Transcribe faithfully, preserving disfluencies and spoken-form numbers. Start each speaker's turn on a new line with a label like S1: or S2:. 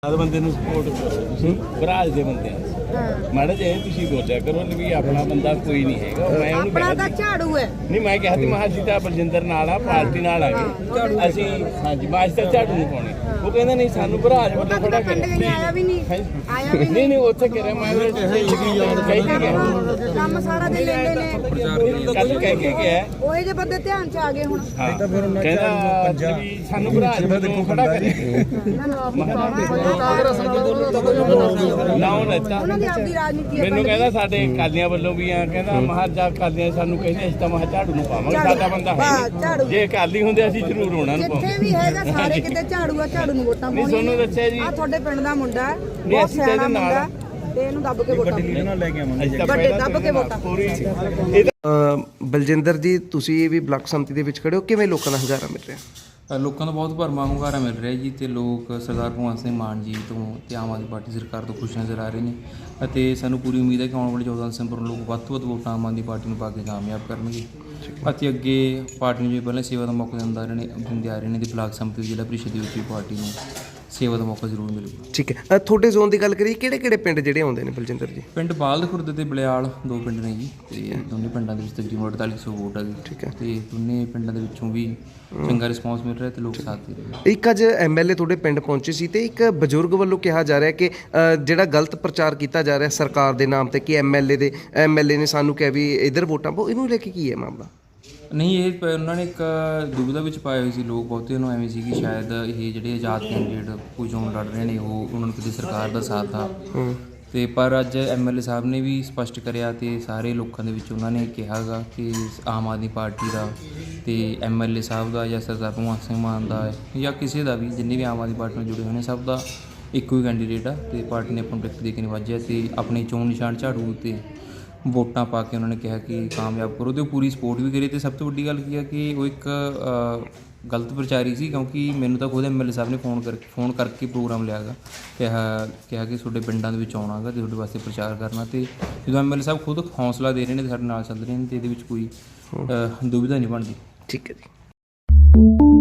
S1: ਬੰਦੇ ਨੂੰ ਸਪੋਰਟ ਕਰੋ ਤੁਸੀਂ ਭਰਾਜ ਦੇ ਬੰਦੇ ਮਾੜਾ ਜਿਹਾ ਤੁਸੀਂ ਬੋਲਿਆ ਕਰੋ ਵੀ ਆਪਣਾ ਬੰਦਾ ਕੋਈ ਨਹੀਂ ਹੈਗਾ। ਮੈਂ ਉਹਨੂੰ
S2: ਆਪਣਾ ਤਾਂ ਝਾੜੂ ਹੈ
S1: ਨਹੀਂ ਮੈਂ ਕਿਹਾ ਸੀ ਮਹਾਂ ਜੀ ਤਾਂ ਬਲਜਿੰਦਰ ਨਾਲ ਆ ਪਾਰਟੀ ਨਾਲ ਆ ਗਏ ਅਸੀਂ ਹਾਂਜੀ ਬਾਜ ਤਾਂ ਝਾੜੂ ਨਹੀਂ ਪਾਉਣੀ। ਉਹ ਕਹਿੰਦਾ ਨਹੀਂ ਸਾਨੂੰ ਭਰਾਜ ਵੱਲੋਂ ਖੜਾ ਕਰੇ
S2: ਆਇਆ ਵੀ ਨਹੀਂ ਆਇਆ ਵੀ
S1: ਨਹੀਂ ਨਹੀਂ ਉੱਥੇ ਕਹਿ ਮੈਂ ਕਹਿ ਕੇ ਗਿਆ
S2: ਕੰਮ ਸਾਰਾ ਦਿਨ ਲੈਂਦੇ ਨੇ
S1: ਕੱਲ ਕਹਿ ਕੇ ਗਿਆ
S2: ਉਹ ਜੇ ਬੰਦੇ ਧਿਆਨ ਚ ਆ ਗਏ ਹੁਣ
S1: ਕਹਿੰਦਾ ਵੀ ਸਾਨੂੰ ਭਰਾਜ ਵੱਲੋਂ ਖੜਾ ਕਰੇ ਲਾਉਣ ਦਿੱਤਾ
S2: ਉਹਨਾਂ ਦੀ ਆਪਦੀ ਰਾਜਨੀਤੀ ਹੈ।
S1: ਮੈਨੂੰ ਕਹਿੰਦਾ ਸਾਡੇ ਕਾਲੀਆਂ ਵੱਲੋਂ ਵੀ ਆ ਕਹਿੰਦਾ ਮਹਾਰਾਜਾ ਕਾਲੀਆਂ ਸਾਨੂੰ ਕਹਿੰਦੇ ਅਸੀਂ ਤਾਂ ਮਹਾ ਝਾੜੂ ਨੂੰ ਪਾਵਾਂਗੇ ਸਾਡਾ ਬੰਦਾ ਹੈ ਜੇ ਕਾਲੀ ਹੁੰਦੇ ਅਸੀਂ ਜ਼ਰੂਰ ਉਹਨਾਂ ਨੂੰ
S2: ਜਿੱਥੇ ਵੀ ਹੈਗਾ ਸਾਰੇ ਕਿਤੇ ਝਾੜੂ ਆ ਝਾੜੂ ਨੂੰ ਵੋਟਾਂ
S1: ਨਹੀਂ ਤੁਹਾਨੂੰ ਦੱਸਿਆ ਜੀ
S2: ਆ ਤੁਹਾਡੇ ਪਿੰਡ ਦਾ ਮੁੰਡਾ ਹੈ ਬਹੁਤ ਸਿਆਣਾ ਮੁੰਡਾ ਤੇ ਇਹਨੂੰ ਦੱਬ ਕੇ ਵੋਟਾਂ
S1: ਨਾਲ ਲੈ ਕੇ ਆਵਾਂਗੇ
S2: ਵੱਡੇ ਦੱਬ ਕੇ ਵੋਟਾਂ
S1: ਪੂਰੀ
S3: ਬਲਜਿੰਦਰ ਜੀ ਤੁਸੀਂ ਵੀ ਬਲਾਕ ਸੰਮਤੀ ਦੇ ਵਿੱਚ ਖੜੇ ਹੋ, ਕਿਵੇਂ ਲੋਕਾਂ ਦਾ ਹੰਗਾਰਾ ਮਿਲ ਰਿਹਾ?
S4: ਲੋਕਾਂ ਦਾ ਬਹੁਤ ਭਰਵਾਂ ਹੁੰਗਾਰਾ ਮਿਲ ਰਿਹਾ ਜੀ ਤੇ ਲੋਕ ਸਰਦਾਰ ਭਗਵੰਤ ਸਿੰਘ ਮਾਨ ਜੀ ਤੋਂ ਤੇ ਆਮ ਆਦਮੀ ਪਾਰਟੀ ਸਰਕਾਰ ਤੋਂ ਖੁਸ਼ ਨਜ਼ਰ ਆ ਰਹੇ ਨੇ ਅਤੇ ਸਾਨੂੰ ਪੂਰੀ ਉਮੀਦ ਹੈ ਕਿ ਆਉਣ ਵਾਲੇ ਚੌਦਾਂ ਦਸੰਬਰ ਨੂੰ ਲੋਕ ਵੱਧ ਤੋਂ ਵੱਧ ਵੋਟਾਂ ਆਮ ਆਦਮੀ ਪਾਰਟੀ ਨੂੰ ਪਾ ਕੇ ਕਾਮਯਾਬ ਕਰਨਗੇ ਅਤੇ ਅੱਗੇ ਪਾਰਟੀ ਨੂੰ ਜੋ ਪਹਿਲਾਂ ਸੇਵਾ ਦਾ ਮੌਕਾ ਦਿੰਦਾ ਰਹੇ ਨੇ ਦਿੰਦੇ ਆ ਰਹੇ ਨੇ ਤੇ ਬਲਾਕ ਸੰਮਤੀ ਜ਼ਿਲ੍ਹਾ ਪ੍ਰੀਸ਼ਦ ਦੀ ਉੱਚੀ ਪਾਰਟੀ ਨੂੰ ਸੇਵਾ ਦਾ ਮੌਕਾ ਜ਼ਰੂਰ ਮਿਲੇਗਾ।
S3: ਠੀਕ ਹੈ, ਤੁਹਾਡੇ ਜ਼ੋਨ ਦੀ ਗੱਲ ਕਰੀਏ ਕਿਹੜੇ ਕਿਹੜੇ ਪਿੰਡ ਜਿਹੜੇ ਆਉਂਦੇ ਨੇ ਬਲਜਿੰਦਰ ਜੀ?
S4: ਪਿੰਡ ਬਾਲਦ ਖੁਰਦ ਤੇ ਬਲਿਆਲ ਦੋ ਪਿੰਡ ਨੇ ਜੀ ਤੇ ਦੋਨੇ ਪਿੰਡਾਂ ਦੇ ਵਿੱਚ ਤਕਰੀਬਨ ਅੜਤਾਲੀ ਸੌ ਵੋਟ ਆ ਗਈ।
S3: ਠੀਕ ਹੈ
S4: ਤੇ ਦੋਨੇ ਪਿੰਡਾਂ ਦੇ ਵਿੱਚੋਂ ਵੀ ਚੰਗਾ ਰਿਸਪੌਂਸ ਮਿਲ ਰਿਹਾ ਤੇ ਲੋਕ ਸਾਥ ਦੇ ਰਹੇ।
S3: ਇੱਕ ਅੱਜ ਐਮਐਲਏ ਤੁਹਾਡੇ ਪਿੰਡ ਪਹੁੰਚੇ ਸੀ ਤੇ ਇੱਕ ਬਜ਼ੁਰਗ ਵੱਲੋਂ ਕਿਹਾ ਜਾ ਰਿਹਾ ਕਿ ਜਿਹੜਾ ਗਲਤ ਪ੍ਰਚਾਰ ਕੀਤਾ ਜਾ ਰਿਹਾ ਸਰਕਾਰ ਦੇ ਨਾਮ ਤੇ ਕਿ ਐਮਐਲਏ ਦੇ ਐਮਐਲਏ ਨੇ ਸਾਨੂੰ ਕਿਹਾ ਵੀ ਇਧਰ ਵੋਟਾਂ ਪਾਓ, ਇਹਨੂੰ ਲੈ ਕੇ ਕੀ ਹੈ ਮਾਮਲਾ?
S4: ਨਹੀਂ ਇਹ ਉਹਨਾਂ ਨੇ ਇੱਕ ਦੁਬਿਧਾ ਵਿੱਚ ਪਾਏ ਹੋਏ ਸੀ ਲੋਕ ਬਹੁਤੇ ਨੂੰ ਐਵੇਂ ਸੀ ਕਿ ਸ਼ਾਇਦ ਇਹ ਜਿਹੜੇ ਆਜ਼ਾਦ ਕੈਂਡੀਡੇਟ ਕੋਈ ਚੋਣ ਲੜ ਰਹੇ ਨੇ ਉਹ ਉਹਨਾਂ ਨੂੰ ਕਿਤੇ ਸਰਕਾਰ ਦਾ ਸਾਥ ਆ ਤੇ ਪਰ ਅੱਜ ਐਮਐਲਏ ਸਾਹਿਬ ਨੇ ਵੀ ਸਪਸ਼ਟ ਕਰਿਆ ਤੇ ਸਾਰੇ ਲੋਕਾਂ ਦੇ ਵਿੱਚ ਉਹਨਾਂ ਨੇ ਕਿਹਾਗਾ ਕਿ ਆਮ ਆਦਮੀ ਪਾਰਟੀ ਦਾ ਤੇ ਐਮਐਲਏ ਸਾਹਿਬ ਦਾ ਜਾਂ ਸਰਦਾਰ ਭਗਵੰਤ ਸਿੰਘ ਮਾਨ ਦਾ ਜਾਂ ਕਿਸੇ ਦਾ ਵੀ ਜਿੰਨੇ ਵੀ ਆਮ ਆਦਮੀ ਪਾਰਟੀ ਨਾਲ ਜੁੜੇ ਹੋਏ ਨੇ ਸਭ ਦਾ ਇੱਕੋ ਹੀ ਕੈਂਡੀਡੇਟ ਆ ਤੇ ਪਾਰਟੀ ਨੇ ਆਪਣਾ ਟਿਕਟ ਦੇ ਕੇ ਨਿਵਾਜਿਆ ਤੇ ਆਪਣੀ ਚੋਣ ਨਿਸ਼ਾਨ ਝਾੜੂ ਤੇ ਵੋਟਾਂ ਪਾ ਕੇ ਉਹਨਾਂ ਨੇ ਕਿਹਾ ਕਿ ਕਾਮਯਾਬ ਕਰੋ ਤੇ ਉਹ ਪੂਰੀ ਸਪੋਰਟ ਵੀ ਕਰੀ। ਤੇ ਸਭ ਤੋਂ ਵੱਡੀ ਗੱਲ ਕੀ ਹੈ ਕਿ ਉਹ ਇੱਕ ਗਲਤ ਪ੍ਰਚਾਰੀ ਸੀ ਕਿਉਂਕਿ ਮੈਨੂੰ ਤਾਂ ਖੁਦ ਐਮਐਲਏ ਸਾਹਿਬ ਨੇ ਫੋਨ ਕਰਕੇ ਫੋਨ ਕਰਕੇ ਪ੍ਰੋਗਰਾਮ ਲਿਆ ਗਾ ਕਿਹਾ ਕਿਹਾ ਕਿ ਤੁਹਾਡੇ ਪਿੰਡਾਂ ਦੇ ਵਿੱਚ ਆਉਣਾ ਗਾ ਤੇ ਤੁਹਾਡੇ ਵਾਸਤੇ ਪ੍ਰਚਾਰ ਕਰਨਾ ਤੇ ਜਦੋਂ ਐਮਐਲਏ ਸਾਹਿਬ ਖੁਦ ਹੌਸਲਾ ਦੇ ਰਹੇ ਨੇ ਤੇ ਸਾਡੇ ਨਾਲ ਚੱਲ ਰਹੇ ਨੇ ਤੇ ਇਹਦੇ ਵਿੱਚ ਕੋਈ ਦੁਵਿਧਾ ਨਹੀਂ ਬਣਦੀ।
S3: ਠੀਕ ਹੈ ਜੀ।